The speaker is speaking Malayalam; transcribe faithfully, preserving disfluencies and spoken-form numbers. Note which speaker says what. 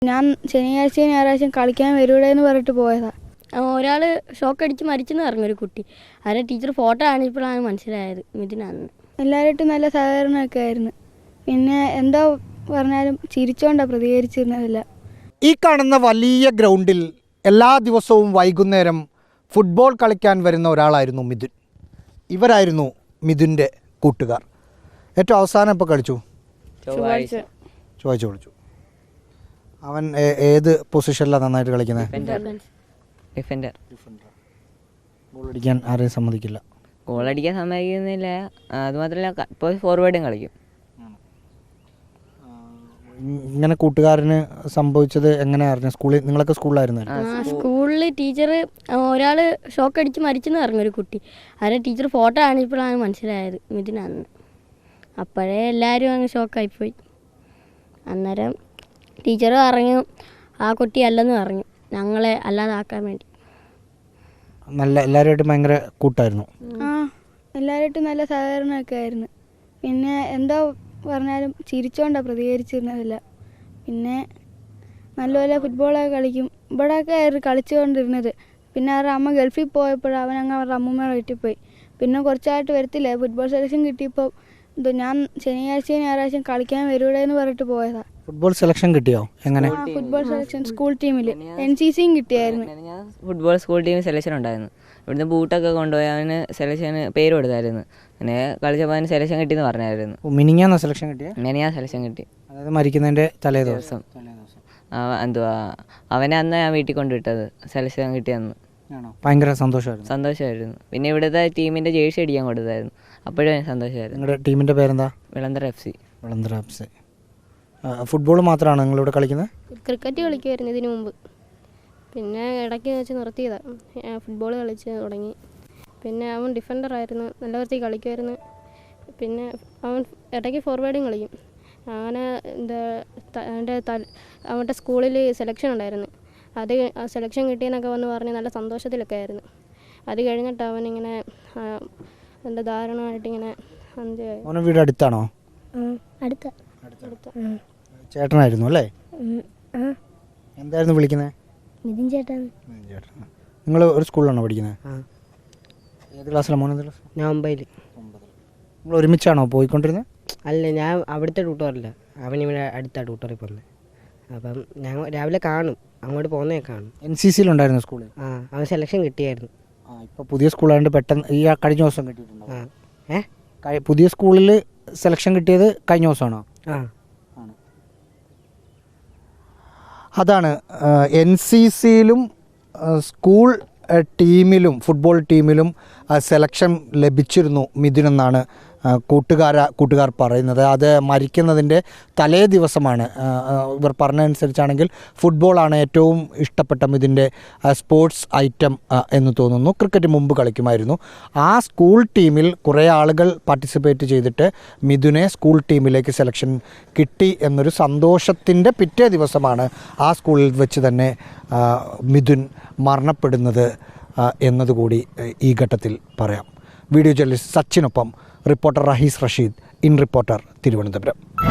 Speaker 1: ഞാൻ ശനിയാഴ്ചയും ഞായറാഴ്ചയും കളിക്കാൻ വരൂടെ എന്ന് പറഞ്ഞിട്ട് പോയതാ.
Speaker 2: ഒരാൾ ഷോക്ക് അടിച്ച് മരിച്ചെന്ന് പറഞ്ഞു, ഒരു കുട്ടി. അതിന് ടീച്ചർ ഫോട്ടോ കാണിച്ചപ്പോഴാണ് മനസ്സിലായത് മിഥുനാണെന്ന്.
Speaker 1: എല്ലാവരുമായിട്ടും നല്ല സഹകരണമൊക്കെ ആയിരുന്നു. പിന്നെ എന്തോ പറഞ്ഞാലും ചിരിച്ചോണ്ടാണ് പ്രതികരിച്ചിരുന്നതല്ല.
Speaker 3: ഈ കാണുന്ന വലിയ ഗ്രൗണ്ടിൽ എല്ലാ ദിവസവും വൈകുന്നേരം ഫുട്ബോൾ കളിക്കാൻ വരുന്ന ഒരാളായിരുന്നു മിഥുൻ. ഇവരായിരുന്നു മിഥുൻ്റെ കൂട്ടുകാർ. ഏറ്റവും അവസാനം ഇപ്പോൾ കളിച്ചു
Speaker 2: ചൊവ്വാഴ്ച
Speaker 3: ചൊവ്വാഴ്ച കളിച്ചു. അവൻ ഏത് പൊസിഷനിലാണ് നന്നായിട്ട് കളിക്കുന്നത്?
Speaker 4: ഡിഫൻഡർ.
Speaker 3: ഗോൾ അടിക്കാൻ ആരെയും സമ്മതിക്കില്ല.
Speaker 4: ഗോൾ അടിക്കാൻ സമ്മതിക്കുന്നില്ല. അതുമാത്രമല്ല, ഇപ്പോൾ ഫോർവേഡും കളിക്കും.
Speaker 3: ഇങ്ങനെ കൂട്ടുകാരന് സംഭവിച്ചത് എങ്ങനെയാ അറിഞ്ഞത്? സ്കൂളിൽ നിങ്ങളൊക്കെ സ്കൂളിലായിരുന്നു?
Speaker 2: സ്കൂളിൽ ടീച്ചർ ഒരാൾ ഷോക്ക് അടിച്ച് മരിച്ചെന്ന് പറഞ്ഞു, ഒരു കുട്ടി. അതിന് ടീച്ചർ ഫോട്ടോ കാണിച്ചപ്പോഴാണ് മനസ്സിലായത് മിഥുനാണെന്ന്. അപ്പോഴേ എല്ലാവരും അങ്ങ് ഷോക്കായിപ്പോയി. അന്നേരം ടീച്ചർ പറഞ്ഞു ആ കുട്ടി അല്ലെന്ന് പറഞ്ഞു, ഞങ്ങളെ അല്ലാതാക്കാൻ വേണ്ടി.
Speaker 3: നല്ല എല്ലാവരുമായിട്ടും ഭയങ്കര കൂട്ടായിരുന്നു.
Speaker 1: ആ എല്ലാവരുമായിട്ടും നല്ല സഹകരണമൊക്കെ ആയിരുന്നു. പിന്നെ എന്തോ പറഞ്ഞാലും ചിരിച്ചോണ്ടാണ് പ്രതികരിച്ചിരുന്നതല്ല. പിന്നെ നല്ലപോലെ ഫുട്ബോളൊക്കെ കളിക്കും. ഇവിടെയൊക്കെ ആയിരുന്നു കളിച്ചുകൊണ്ടിരുന്നത്. പിന്നെ അവരുടെ അമ്മ ഗൾഫിൽ പോയപ്പോൾ അവൻ അങ്ങ് അവരുടെ അമ്മൂമ്മയുടെ വീട്ടിൽ പോയി. പിന്നെ കുറച്ചായിട്ട് വരത്തില്ല. ഫുട്ബോൾ സെലക്ഷൻ കിട്ടിയപ്പോൾ എന്തോ ഞാൻ ശനിയാഴ്ചയും ഞായറാഴ്ചയും കളിക്കാൻ വരൂടെ എന്ന് പറഞ്ഞിട്ട് പോയതാ.
Speaker 3: ഫുട്ബോൾ സെലക്ഷൻ കിട്ടിയോ? എങ്ങനെ?
Speaker 1: ഫുട്ബോൾ സെലക്ഷൻ സ്കൂൾ ടീമിൽ എൻ സി സിയും കിട്ടിയായിരുന്നു.
Speaker 4: ഫുട്ബോൾ സ്കൂൾ ടീമിൽ സെലക്ഷൻ ഉണ്ടായിരുന്നു. ഇവിടുന്ന് ബൂട്ടൊക്കെ കൊണ്ടുപോയി അവന് സെലക്ഷന് പേര് കൊടുത്തായിരുന്നു. പിന്നെ കളിച്ചപ്പോൾ അവന് സെലക്ഷൻ കിട്ടിയെന്ന് പറഞ്ഞായിരുന്നു.
Speaker 3: മിനിങ്ങാന്ന സെലക്ഷൻ കിട്ടിയ?
Speaker 4: മിനിയാ സെലക്ഷൻ കിട്ടി.
Speaker 3: അതായത് മരിക്കുന്നതിൻ്റെ തലേ ദിവസം.
Speaker 4: എന്തുവാ അവനെ അന്ന് ഞാൻ വീട്ടിൽ കൊണ്ടുവിട്ടത് സെലക്ഷൻ കിട്ടിയെന്ന്.
Speaker 3: ഭയങ്കര സന്തോഷമായിരുന്നു.
Speaker 4: സന്തോഷമായിരുന്നു. പിന്നെ ഇവിടുത്തെ ടീമിൻ്റെ ജേഴ്സി അടിക്കാൻ കൊടുത്തായിരുന്നു. അപ്പോഴും സന്തോഷമായിരുന്നു.
Speaker 3: നിങ്ങളുടെ ടീമിൻ്റെ പേരെന്താ?
Speaker 4: Vilanthara F C.
Speaker 3: Vilanthara F C. Football മാത്രമാണോ നിങ്ങളിവിടെ കളിക്കുന്നത്?
Speaker 2: ക്രിക്കറ്റ് കളിക്കുമായിരുന്നു ഇതിനു മുമ്പ്. പിന്നെ ഇടയ്ക്ക് വെച്ച് നിർത്തിയതാണ്. ഫുട്ബോൾ കളിച്ച് തുടങ്ങി. പിന്നെ അവൻ ഡിഫൻഡറായിരുന്നു, നല്ല വൃത്തിയിൽ കളിക്കുമായിരുന്നു. പിന്നെ അവൻ ഇടയ്ക്ക് ഫോർവേഡും കളിക്കും. അങ്ങനെ എന്താ അവൻ്റെ അവൻ്റെ സ്കൂളിൽ സെലക്ഷൻ ഉണ്ടായിരുന്നു. അത് സെലക്ഷൻ കിട്ടിയെന്നൊക്കെ വന്ന് പറഞ്ഞ് നല്ല സന്തോഷത്തിലൊക്കെ ആയിരുന്നു. അത് കഴിഞ്ഞിട്ട് അവനിങ്ങനെ എന്താ ദാരുണമായിട്ടിങ്ങനെ
Speaker 3: അന്ത്യ. വീട് അടുത്താണോ?
Speaker 2: അടുത്ത
Speaker 3: ചേട്ടനായിരുന്നു അല്ലേ? എന്തായിരുന്നു വിളിക്കുന്നത്?
Speaker 2: മിഥുൻ ചേട്ടൻ.
Speaker 3: നിങ്ങൾ ഒരു സ്കൂളിലാണോ പഠിക്കുന്നത്? ഏത് ക്ലാസ്സിലാണ് മോനെ?
Speaker 5: ഞാൻ ഒമ്പതിൽ.
Speaker 3: നിങ്ങൾ ഒരുമിച്ചാണോ പോയിക്കൊണ്ടിരുന്നത്?
Speaker 5: അല്ല, ഞാൻ അവിടുത്തെ ട്യൂട്ടോറില്ല. അവൻ ഇവിടെ അടുത്ത ട്യൂട്ടോറിൽ പോകുന്നത്. അപ്പം ഞാൻ രാവിലെ കാണും, അങ്ങോട്ട് പോകുന്നേ കാണും.
Speaker 3: എൻ സി സിയിലുണ്ടായിരുന്നു സ്കൂളിൽ?
Speaker 5: ആ, അവൻ സെലക്ഷൻ കിട്ടിയായിരുന്നു.
Speaker 3: ആ, ഇപ്പോൾ പുതിയ സ്കൂളായതുകൊണ്ട് പെട്ടെന്ന് ഈ കഴിഞ്ഞ ദിവസം കിട്ടിയിട്ടുണ്ടോ?
Speaker 5: ആ. ഏ
Speaker 3: പുതിയ സ്കൂളിൽ സെലക്ഷൻ കിട്ടിയത് കഴിഞ്ഞ ദിവസമാണോ?
Speaker 5: ആ.
Speaker 3: അതാണ് എൻ സി സിയിലും സ്കൂൾ ടീമിലും ഫുട്ബോൾ ടീമിലും സെലക്ഷൻ ലഭിച്ചിരുന്നു മിഥുനെന്നാണ് കൂട്ടുകാര കൂട്ടുകാർ പറയുന്നത്. അത് മരിക്കുന്നതിൻ്റെ തലേ ദിവസമാണ്. ഇവർ പറഞ്ഞതനുസരിച്ചാണെങ്കിൽ ഫുട്ബോളാണ് ഏറ്റവും ഇഷ്ടപ്പെട്ട മിഥുൻ്റെ സ്പോർട്സ് ഐറ്റം എന്ന് തോന്നുന്നു. ക്രിക്കറ്റ് മുമ്പ് കളിക്കുമായിരുന്നു. ആ സ്കൂൾ ടീമിൽ കുറേ ആളുകൾ പാർട്ടിസിപ്പേറ്റ് ചെയ്തിട്ട് മിഥുനെ സ്കൂൾ ടീമിലേക്ക് സെലക്ഷൻ കിട്ടി എന്നൊരു സന്തോഷത്തിൻ്റെ പിറ്റേ ദിവസമാണ് ആ സ്കൂളിൽ വെച്ച് തന്നെ മിഥുൻ മരണപ്പെടുന്നത് എന്നതുകൂടി ഈ ഘട്ടത്തിൽ പറയാം. വീഡിയോ ജേർണലിസ്റ്റ് സച്ചിനൊപ്പം Reporter Rahees Rasheed, in Reporter, Thiruvananthapuram.